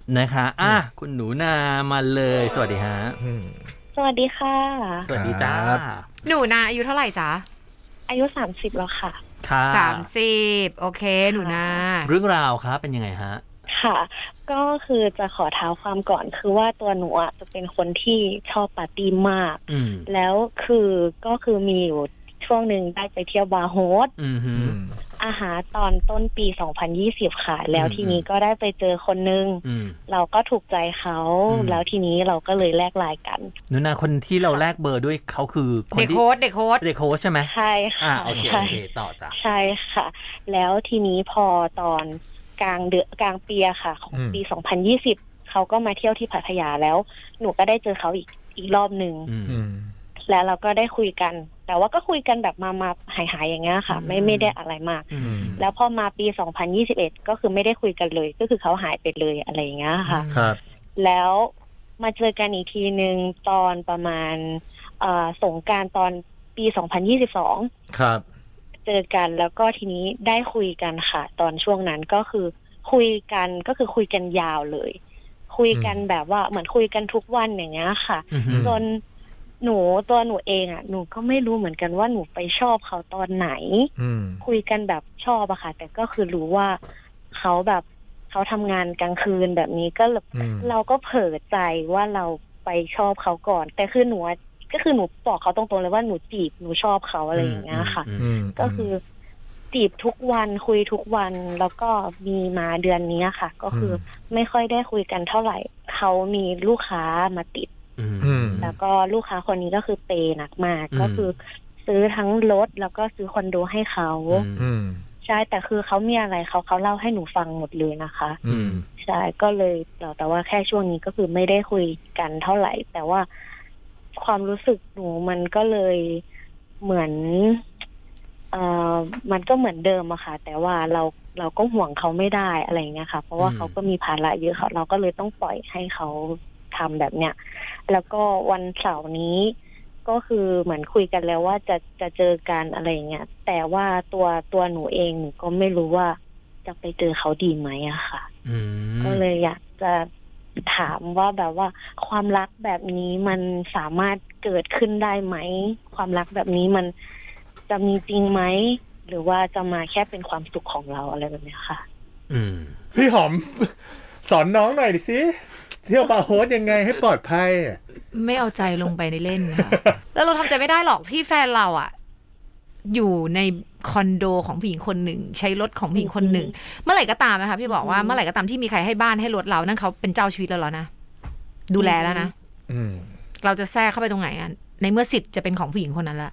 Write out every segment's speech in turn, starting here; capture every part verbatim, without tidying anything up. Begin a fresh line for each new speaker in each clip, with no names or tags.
นะคะอ่ะคุณหนูนามาเลยสวัสดีฮะ
สวัสดีค่ะ
สวัสดีจ้า
หนูนาอายุเท่าไหร่จ๊ะ
อายุสามสิบแล้วค่ะ
ค่ะ
สามสิบโอเคหนูนา
เรื่องราวครับเป็นยังไงฮะ
ค่ะก็คือจะขอเท้าความก่อนคือว่าตัวหนูอ่ะจะเป็นคนที่ชอบปาร์ตี้มากแล้วคือก็คือมีอยู่ช่วงหนึ่งได้ไปเที่ยวบาร์โฮสอาหารตอนต้นปีสองพันยี่สิบค่ะแล้วทีนี้ก็ได้ไปเจอคนนึงเราก็ถูกใจเขาแล้วทีนี้เราก็เลยแลกไลน์กัน
หนูนาคนที่เราแลกเบอร์ด้วยเขาคือคนที่
เด็กโค้ดเด็กโค้ด
เด็กโค้ดใช่ไหม
ใช่ค่ะ
โอเคโอเคต่อจ้ะ
ใช่ค่ะแล้วทีนี้พอตอนกลางเดือนกลางปีค่ะของปีสองพันยี่สิบเขาก็มาเที่ยวที่พัทยาแล้วหนูก็ได้เจอเขาอีกอีกรอบนึงแล้วเราก็ได้คุยกันแต่ว่าก็คุยกันแบบมามาหายๆอย่างเงี้ยค่ะไม่ไม่ได้อะไรมากแล้วพอมาปีสองพันยี่สิบเอ็ดก็คือไม่ได้คุยกันเลยก็คือเขาหายไปเลยอะไรอย่างเงี้ยค่ะ
ครับ
แล้วมาเจอกันอีกทีนึงตอนประมาณเอ่อสงกรานต์ตอนปีสองพันยี่สิบสอง
ครับ
เจอกันแล้วก็ทีนี้ได้คุยกันค่ะตอนช่วงนั้นก็คือคุยกันก็คือคุยกันยาวเลยคุยกันแบบว่าเหมือนคุยกันทุกวันอย่างเงี้ยค่ะจนหนูตัวหนูเองอ่ะหนูก็ไม่รู้เหมือนกันว่าหนูไปชอบเขาตอนไหนคุยกันแบบชอบอะค่ะแต่ก็คือรู้ว่าเขาแบบเขาทำงานกลางคืนแบบนี้ก็เราก็เผลอใจว่าเราไปชอบเขาก่อนแต่คือหนูก็คือหนูบอกเขาตรงๆเลยว่าหนูจีบหนูชอบเขาอะไรอย่างเงี้ยค่ะก็คือจีบทุกวันคุยทุกวันแล้วก็มีมาเดือนนี้ค่ะก็คือไม่ค่อยได้คุยกันเท่าไหร่เขามีลูกค้ามาติดแล้วก็ลูกค้าคนนี้ก็คือเปย์หนักมากก็คือซื้อทั้งรถแล้วก็ซื้อคอนโดให้เขาใช่แต่คือเขามีอะไรเขาเขาเล่าให้หนูฟังหมดเลยนะคะใช่ก็เลยแต่ว่าแค่ช่วงนี้ก็คือไม่ได้คุยกันเท่าไหร่แต่ว่าความรู้สึกหนูมันก็เลยเหมือนเอ่อมันก็เหมือนเดิมอะค่ะแต่ว่าเราเราก็ห่วงเขาไม่ได้อะไรเงี้ยค่ะเพราะว่าเขาก็มีภาระเยอะค่ะเราก็เลยต้องปล่อยให้เขาทำแบบเนี้ยแล้วก็วันเสาร์นี้ก็คือเหมือนคุยกันแล้วว่าจะจะเจอกันอะไรเงี้ยแต่ว่าตัวตัวหนูเองหนูก็ไม่รู้ว่าจะไปเจอเขาดีไหมอะค่ะก็เลยอยากจะถามว่าแบบว่าความรักแบบนี้มันสามารถเกิดขึ้นได้ไหมความรักแบบนี้มันจะมีจริงไหมหรือว่าจะมาแค่เป็นความสุขของเราอะไรแบบนี้ค่ะ
พี่หอมสอนน้องหน่อยดิสิเที่ยวบาร์โฮสยังไงให้ปลอดภัย
ไม่เอาใจลงไปในเล่นค่ะแล้วเราทำใจไม่ได้หรอกที่แฟนเราอ่ะอยู่ในคอนโดของผู้หญิงคนหนึ่งใช้รถของผู้หญิงคนหนึ่งเมื่อไหร่ก็ตามนะคะพี่บอกว่าเมื่อไหร่ก็ตามที่มีใครให้บ้านให้รถเรานั่นเขาเป็นเจ้าชีวิตเราแล้วนะดูแลแล้วนะเราจะแทรกเข้าไปตรงไหนอ่ะในเมื่อสิทธิ์จะเป็นของผู้หญิงคนนั้นละ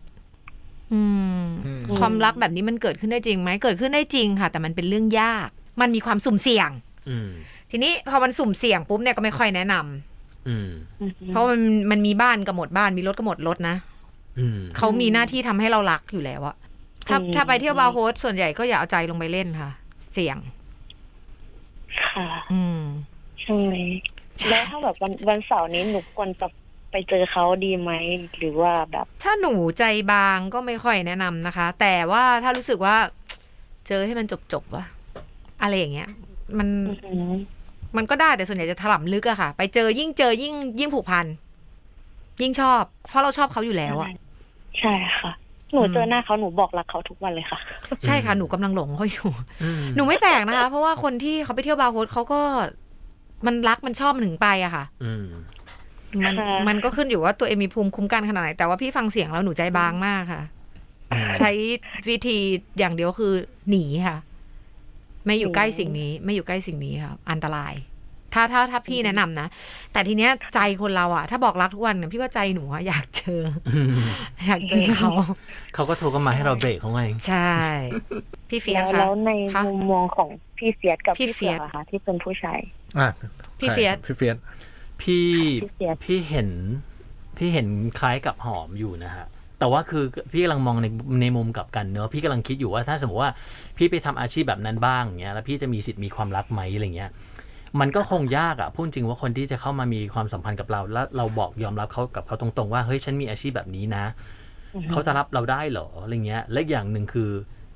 ความรักแบบนี้มันเกิดขึ้นได้จริงไหมเกิดขึ้นได้จริงค่ะแต่มันเป็นเรื่องยากมันมีความสุ่มเสี่ยงทีนี้พอมันสุ่มเสี่ยงปุ๊บเนี่ยก็ไม่ค่อยแนะนำเพราะมันมันมีบ้านก็หมดบ้านมีรถก็หมดรถนะเขามีหน้าที่ทำให้เรารักอยู่แล้วอะถ้าถ้าไปเที่ยวบาร์โฮสส่วนใหญ่ก็อย่าเอาใจลงไปเล่นค่ะเสี่ยง
ค่ะอืมใช่แล้วถ้าแบบวันวันเสาร์นี้หนูควรจะไปเจอเขาดีไหมหรือว่าแบบ
ถ้าหนูใจบางก็ไม่ค่อยแนะนำนะคะแต่ว่าถ้ารู้สึกว่าเจอให้มันจบๆว่ะอะไรอย่างเงี้ยมันมันก็ได้แต่ส่วนใหญ่จะถล่มลึกอะค่ะไปเจอยิ่งเจอยิ่งยิ่งผูกพันยิ่งชอบเพราะเราชอบเขาอยู่แล้วอะ
ใช่ค่ะหนูเจอหน้าเขาหนูบอกรักเขาทุกวันเลยค่ะ
ใช่ค่ะหนูกำลังหลงเขาอยู่หนูไม่แปลกนะคะเพราะว่าคนที่เขาไปเที่ยวบาร์โฮสเขาก็มันรักมันชอบมันถึงไปอะค่ะมันมันก็ขึ้นอยู่ว่าตัวเองมีภูมิคุ้มกันขนาดไหนแต่ว่าพี่ฟังเสียงแล้วหนูใจบางมากค่ะใช้วิธีอย่างเดียวคือหนีค่ะไม่อยู่ใกล้สิ่งนี้ไม่อยู่ใกล้สิ่งนี้ค่ะอันตรายถ้าถ้าถ้าพี่แนะนำนะแต่ทีเนี้ยใจคนเราอะถ้าบอกรักทุกวันเนี่ยพี่ว่าใจหนูอะอยากเจออยากเจอเขา
เขาก็โทรกันมาให้เราเบรกเขาไง
ใช่พี่เฟียสค่ะ
แล้วในมุมมองของพี่เฟียสกับพี่เฟียสค่ะที่เป็นผู้ชาย
พี่เฟียส
พี่เฟียส
พี่พี่เห็นพี่เห็นคล้ายกับหอมอยู่นะฮะแต่ว่าคือพี่กำลังมองในในมุมกลับกันเนอะพี่กำลังคิดอยู่ว่าถ้าสมมติว่าพี่ไปทำอาชีพแบบนั้นบ้างเงี้ยแล้วพี่จะมีสิทธิ์มีความรักไหมอะไรเงี้ยมันก็คงยากอ่ะพูดจริงว่าคนที่จะเข้ามามีความสัมพันธ์กับเราแล้วเราบอกยอมรับเขากับเขาตรงๆว่าเฮ้ยฉันมีอาชีพแบบนี้นะเขาจะรับเราได้เหรออะไรเงี้ยและอย่างหนึ่งคือ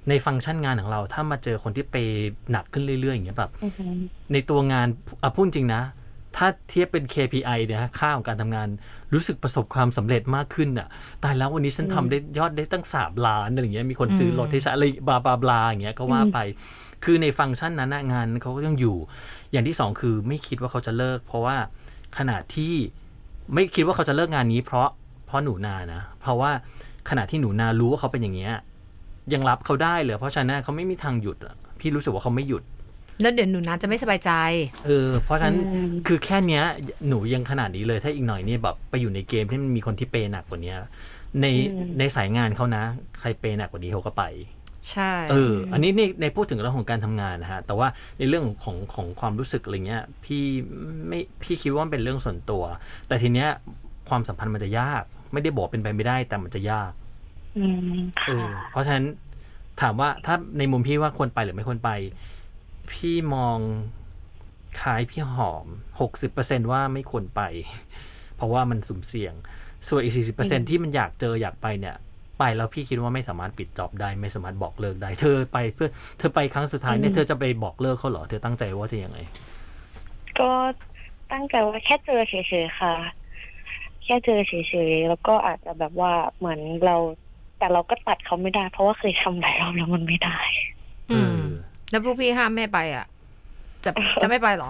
ในฟังก์ชันงานของเราถ้ามาเจอคนที่เปย์หนักขึ้นเรื่อยๆอย่างเงี้ยแบบ
อือหือ
ในตัวงานอ่ะพูดจริงนะถ้าเทียบเป็น เค พี ไอ เนี่ยค่าของการทำงานรู้สึกประสบความสำเร็จมากขึ้นอ่ะตายแล้ววันนี้ฉันทำได้ยอดได้ตั้งสามล้านอะไรอย่างเงี้ยมีคนซื้อรถให้ฉันอะไรบลาบลาบลาอย่างเงี้ยก็ว่าไปคือในฟังก์ชันนั้นงานเขาก็ยังอยู่อย่างที่สองคือไม่คิดว่าเขาจะเลิกเพราะว่าขณะที่ไม่คิดว่าเขาจะเลิกงานนี้เพราะเพราะหนูนานะเพราะว่าขณะที่หนูนารู้ว่าเขาเป็นอย่างเงี้ยยังรับเขาได้เลยเพราะฉะนั้นเขาไม่มีทางหยุดพี่รู้สึกว่าเขาไม่หยุด
แล้วเดี๋ยวหนูนาจะไม่สบายใจ
เออเพราะฉะนั้นคือแค่เนี้ยหนูยังขนาดนี้เลยถ้าอีกหน่อยนี่แบบไปอยู่ในเกมที่มันมีคนที่เปย์หนักกว่านี้ในในสายงานเขานะใครเปย์หนักกว่านี้เขาก็ไป
ใช่
เอออันนี้ในในพูดถึงเรื่องของการทำงานนะฮะแต่ว่าในเรื่องของของความรู้สึกอะไรเงี้ยพี่ไม่พี่คิดว่ามันเป็นเรื่องส่วนตัวแต่ทีเนี้ยความสัมพันธ์มันจะยากไม่ได้บอกเป็นไปไม่ได้แต่มันจะยากเออเพราะฉะนั้นถามว่าถ้าในมุมพี่ว่าควรไปหรือไม่ควรไปพี่มองคล้ายพี่หอม หกสิบเปอร์เซ็นต์ ว่าไม่ควรไปเพราะว่ามันสุ่มเสี่ยงส่วนอีก สี่สิบเปอร์เซ็นต์ ที่มันอยากเจออยากไปเนี่ยไปแล้วพี่คิดว่าไม่สามารถปิดจ็อบได้ไม่สามารถบอกเลิกได้เธอไปเพื่อเธอไปครั้งสุดท้ายเนี่ยเธอจะไปบอกเลิกเขาเหรอเธอตั้งใจว่าจะยังไง
ก็ตั้งใจว่าแค่เจอเฉยๆค่ะแค่เจอเฉยๆแล้วก็อาจจะแบบว่าเหมือนเราแต่เราก็ตัดเขาไม่ได้เพราะว่าเคยทำหลายรอบแล้วมันไม่ได้
อืมแล้วพวกพี่ห้ามแม่ไปอ่ะจะจะไม่ไปหรอ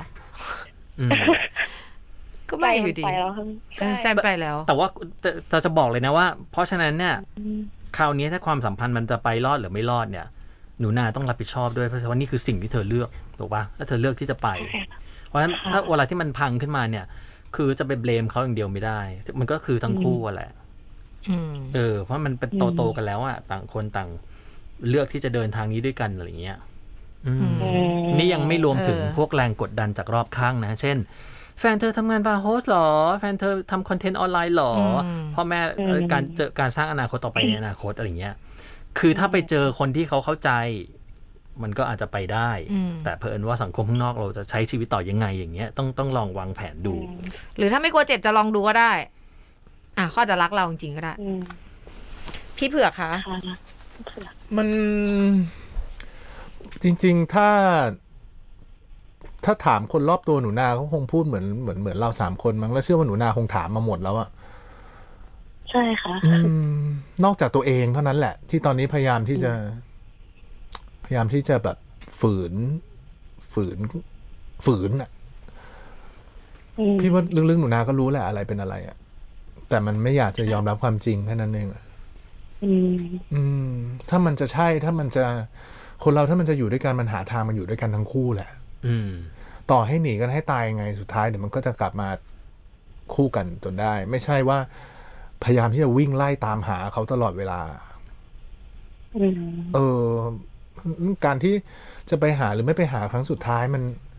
ก็ไม่อยู่ดีใช่ไปแล้ว
แต่ว่าจะจะบอกเลยนะว่าเพราะฉะนั้นเนี่ยคราวนี้ถ้าความสัมพันธ์มันจะไปรอดหรือไม่รอดเนี่ยหนูนาต้องรับผิดชอบด้วยเพราะว่านี่คือสิ่งที่เธอเลือกถูกป่ะถ้าเธอเลือกที่จะไปเพราะฉะนั้นถ้าเวลาที่มันพังขึ้นมาเนี่ยคือจะไปเบลมเขาอย่างเดียวไม่ได้มันก็คือทั้งคู่แหละเออเพราะมันเป็นโตๆกันแล้วอ่ะต่างคนต่างเลือกที่จะเดินทางนี้ด้วยกันอะไรอย่างเงี้ยนี่ยังไม่รวมถึงพวกแรงกดดันจากรอบข้างนะเช่นแฟนเธอทำงานบาร์โฮสหรอแฟนเธอทำคอนเทนต์ออนไลน์หรอพ่อแม่การเจอการสร้างอนาคตต่อไปในอนาคตอะไรเงี้ยคือถ้าไปเจอคนที่เขาเข้าใจมันก็อาจจะไปได้แต่เผอิญว่าสังคมข้างนอกเราจะใช้ชีวิตต่อยังไงอย่างเงี้ยต้องต้องลองวางแผนดู
หรือถ้าไม่กลัวเจ็บจะลองดูก็ได้อ่ะเขาจะรักเราจริงๆก็ได้พี่เผือกคะ
มันจริงๆถ้าถ้าถามคนรอบตัวหนูนาเขาคงพูดเหมือนเหมือนเหมือนเราสามคนมั้งแล้วเชื่อว่าหนูนาคงถามมาหมดแล้วอะ
ใช่ค่ะ
นอกจากตัวเองเท่านั้นแหละที่ตอนนี้พยายามที่จะพยายามที่จะแบบฝืนฝืนฝืนอะพี่ว่าลึกๆหนูนาก็รู้แหละอะไรเป็นอะไรอะแต่มันไม่อยากจะยอมรับความจริงแค่นั้นเองอะอืมถ้ามันจะใช่ถ้ามันจะคนเราถ้ามันจะอยู่ด้วยกันมันหาทางมันอยู่ด้วยกันทั้งคู่แหละต่อให้หนีกันให้ตายยังไงสุดท้ายเดี๋ยวมันก็จะกลับมาคู่กันจนได้ไม่ใช่ว่าพยายามที่จะวิ่งไล่ตามหาเขาตลอดเวลาเออการที่จะไปหาหรือไม่ไปหาครั้งสุดท้ายมัน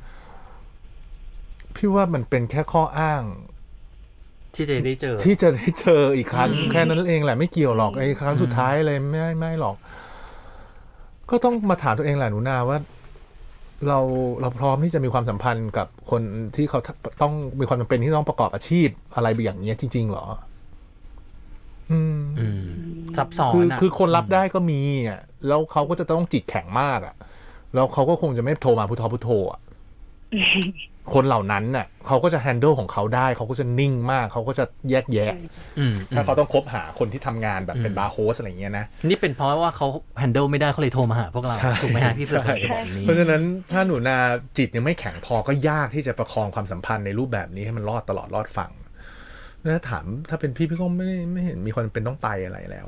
พี่ว่ามันเป็นแค่ข้ออ้าง
ที่จะได้เจอ
ที่จะได้เจออีกครั้งแค่นั้นเองแหละไม่เกี่ยวหรอกไอ้ครั้งสุดท้ายเลยไม่ไม่หรอกก็ต้องมาถามตัวเองแหละหนูนาว่าเราเราพร้อมที่จะมีความสัมพันธ์กับคนที่เขาต้องมีความจำเป็นที่ต้องประกอบอาชีพอะไรอย่างนี้จริงๆหรออืม
ซับซ้อน
คือคือคนรับได้ก็มีอ่ะแล้วเขาก็จะต้องจิตแข็งมากอ่ะแล้วเขาก็คงจะไม่โทรมาพุทโธพุทโธอ่ะคนเหล่านั้นน่ะเขาก็จะแฮนเดิลของเขาได้เขาก็จะนิ่งมากเขาก็จะแยกแยะถ้าเขาต้องคบหาคนที่ทำงานแบบเป็นบาร์โฮสอะไรเงี้ยนะ
นี่เป็นเพราะว่าเขาแฮนเดิลไม่ได้เขาเลยโทรมาหาพวกเราถูกไหมฮะพี่เสือจะบอกนี้
เพราะฉะนั้นถ้าหนูนาจิตยังไม่แข็งพอก็ยากที่จะประคองความสัมพันธ์ในรูปแบบนี้ให้มันรอดตลอดรอดฝั่งถ้าถามถ้าเป็นพี่พี่ก็ไม่ไม่เห็นมีคนเป็นต้องไปอะไรแล้ว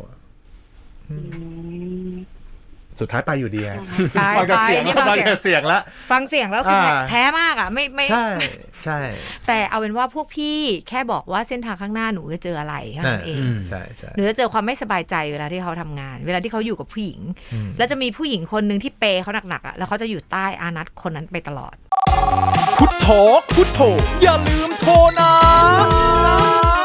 สุดท้ายไปอยู่ดีไงฟังจากเสียงแล้วฟังจากเสียงแล้ว
ฟังเสียงแล้วคือแพ้มากอ่ะไม่ไม่
ใช่ใช่
แต่เอาเป็นว่าพวกพี่แค่บอกว่าเส้นทางข้างหน้าหนูจะเจออะไรแค่นั้นเอง
ใช่ใช่
หนูจะเจอความไม่สบายใจเวลาที่เขาทำงานเวลาที่เขาอยู่กับผู้หญิงแล้วจะมีผู้หญิงคนนึงที่เปย์เขาหนักๆอ่ะแล้วเขาจะอยู่ใต้อานัตคนนั้นไปตลอด
พุทโธพุทโธอย่าลืมโทรนะ